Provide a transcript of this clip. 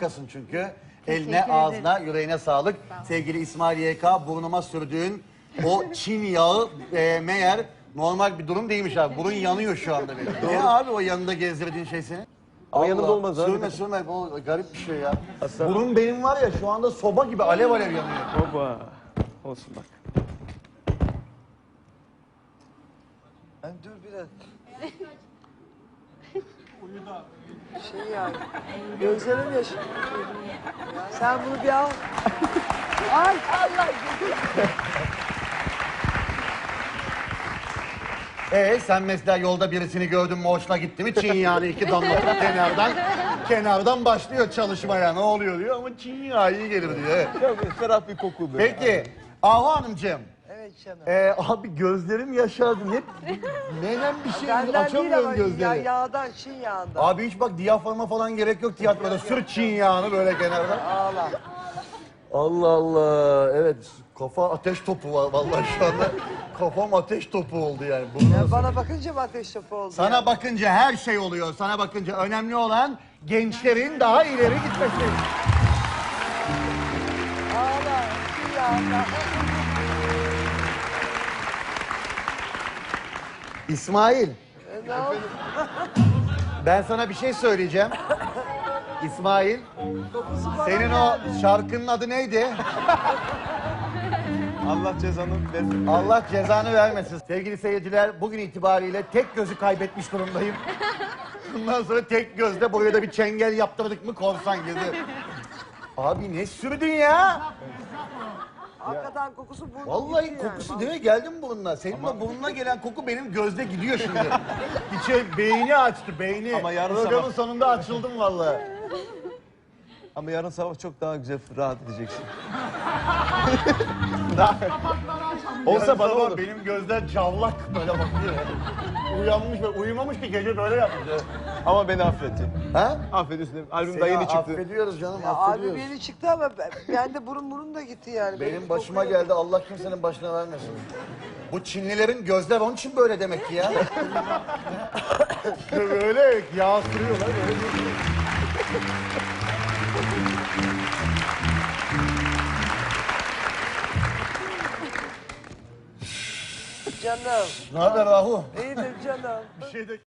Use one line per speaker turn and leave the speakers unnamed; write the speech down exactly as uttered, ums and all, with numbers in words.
Harikasın çünkü. Eline, ağzına, yüreğine sağlık. Sevgili İsmail Y K, burnuma sürdüğün o Çin yağı e, meğer normal bir durum değilmiş abi. Burun yanıyor şu anda benim. Ne abi o yanında gezdirdiğin şey senin?
Ama yanında olmaz abi.
Sürme sürme, o garip bir şey ya. Burun benim var ya şu anda soba gibi alev alev yanıyor.
Baba. Olsun bak.
Ben dur biraz. Şey yani, gözlerim yaş. Sen bunu bir al. Ay Allah.
Ee sen mesela yolda birisini gördün mü hoşuna gitti mi Çin yağını iki damlatıp kenardan kenardan başlıyor çalışmaya ne oluyor diyor ama Çin yağı iyi gelir diyor. Evet.
Çok ferah bir koku böyle.
Peki Ahu Hanımcığım.
Evet canım.
Ee, abi gözlerim yaşardı. Hep neden bir şey
Benden değil
açamıyorum
ama ya,
gözleri.
yağdan, Çin yağından.
Abi hiç bak diyaframa falan gerek yok tiyatroda. Sür Çin yağını böyle kenardan.
Ağla.
Allah Allah. Evet kafa ateş topu var vallahi şu anda. Kafam ateş topu oldu yani. Bunu
Ya
nasıl-
bana bakınca mı ateş topu oldu?
Sana
ya?
bakınca her şey oluyor. Sana bakınca önemli olan gençlerin daha ileri gitmesi.
Ağla. Çin yağından.
İsmail,
E, ne oldu?
ben sana bir şey söyleyeceğim. İsmail,
Kokusu bana
senin o
geldi.
şarkının adı neydi?
Allah cezanı versin.
Allah cezanı vermesin. Sevgili seyirciler, bugün itibariyle tek gözü kaybetmiş durumdayım. Bundan sonra tek gözle buraya da bir çengel yaptırdık mı korsan gözü. Abi ne sürdün ya?
Hakikaten kokusu burnuma
Vallahi
gitti yani.
kokusu değil mi? Geldi mi burnuna? Senin de burnuna gelen koku benim gözde gidiyor şimdi. İçe beyni açtı, beyni.
Ama yarın
Programın
sabah-
sonunda açıldım vallahi.
Ama yarın sabah çok daha güzel rahat edeceksin.
Olsa
Olsa bana
sabah
olur.
benim gözler cavlak böyle bakıyor. Uyanmış ve uyumamış ki gece böyle yapmış.
Ama beni affetti.
Ha?
Affediyorsun. Albüm
Seni
daha yeni çıktı.
affediyoruz canım,
Ya albüm
affediyoruz.
yeni çıktı ama ben, ben de burun burun da gitti yani.
Benim başıma geldi, Allah kimsenin başına vermesin. Bu Çinlilerin gözler onun için böyle demek ki ya. böyle yağ sürüyorlar. Böyle.
Canım.
Ne haber Rahu?
İyidir canım.
Bir şey de...